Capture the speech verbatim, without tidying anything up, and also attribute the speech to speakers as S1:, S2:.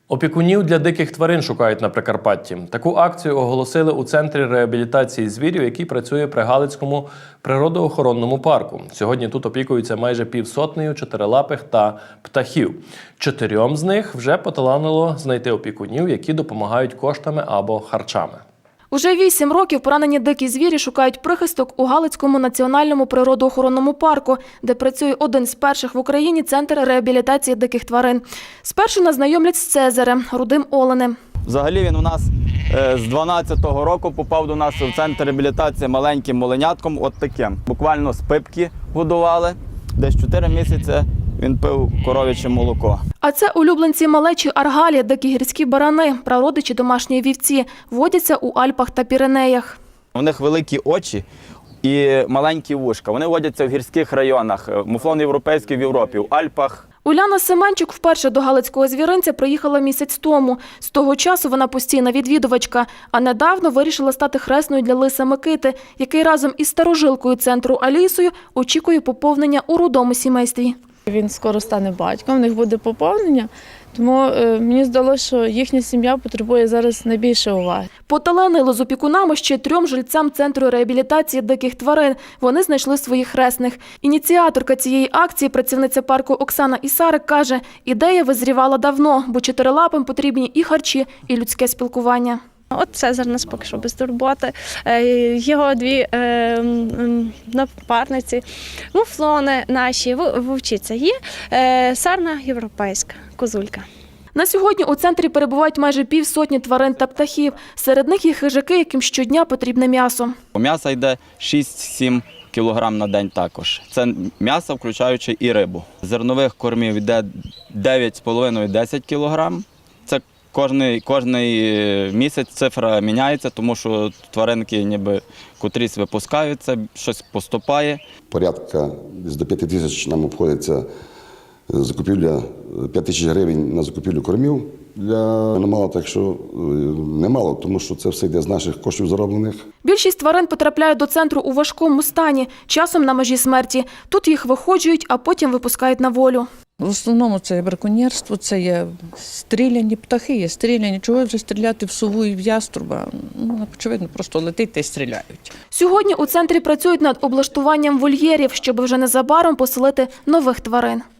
S1: Опікунів для диких тварин шукають на Прикарпатті. Таку акцію оголосили у Центрі реабілітації звірів, який працює при Галицькому природоохоронному парку. Сьогодні тут опікуються майже півсотнею чотирилапих та птахів. Чотирьом з них вже поталанило знайти опікунів, які допомагають коштами або харчами.
S2: Уже вісім років поранені дикі звірі шукають прихисток у Галицькому національному природоохоронному парку, де працює один з перших в Україні центр реабілітації диких тварин. Спершу нас знайомлять з Цезарем, рудим оленем.
S3: Взагалі він у нас з дванадцятого року попав до нас в центр реабілітації маленьким моленятком, от таким. Буквально з пипки годували, десь чотири місяці він пив коров'яче молоко.
S2: А це улюбленці малечі аргалі, дикі гірські барани, прародичі домашньої вівці, водяться у Альпах та Піренеях.
S3: У них великі очі і маленькі вушка. Вони водяться в гірських районах, муфлон європейський в Європі, в Альпах.
S2: Уляна Семенчук вперше до Галицького звіринця приїхала місяць тому. З того часу вона постійна відвідувачка, а недавно вирішила стати хресною для лиса Микити, який разом із старожилкою центру Алісою очікує поповнення у рудому сімействі.
S4: Він скоро стане батьком, в них буде поповнення, тому е, мені здалося, що їхня сім'я потребує зараз найбільше уваги.
S2: Поталанило з опікунами ще трьом жильцям Центру реабілітації диких тварин. Вони знайшли своїх хресних. Ініціаторка цієї акції, працівниця парку Оксана Ісарик, каже, ідея визрівала давно, бо чотирилапим потрібні і харчі, і людське спілкування.
S5: От Цезар нас поки що без турботи, його дві е, напарниці, муфлони наші, вовчиця є, е, сарна європейська, козулька.
S2: На сьогодні у центрі перебувають майже півсотні тварин та птахів. Серед них є хижаки, яким щодня потрібне м'ясо.
S3: М'ясо йде шість-сім кілограм на день також. Це м'ясо, включаючи і рибу. Зернових кормів йде дев'ять з половиною - десять кілограм. Це Кожний, кожний місяць цифра міняється, тому що тваринки ніби котрісь випускаються, щось поступає.
S6: Порядка до п'яти тисяч нам обходиться закупівля, п'ять тисяч гривень на закупівлю кормів для аномалів, так що немало, тому що це все йде з наших коштів зароблених.
S2: Більшість тварин потрапляють до центру у важкому стані, часом на межі смерті. Тут їх виходжують, а потім випускають на волю.
S7: В основному це є браконьєрство, це є стріляні птахи, є стріляні. Чого вже стріляти в сову і в яструба? Ну, очевидно, просто летить та й стріляють.
S2: Сьогодні у центрі працюють над облаштуванням вольєрів, щоб вже незабаром поселити нових тварин.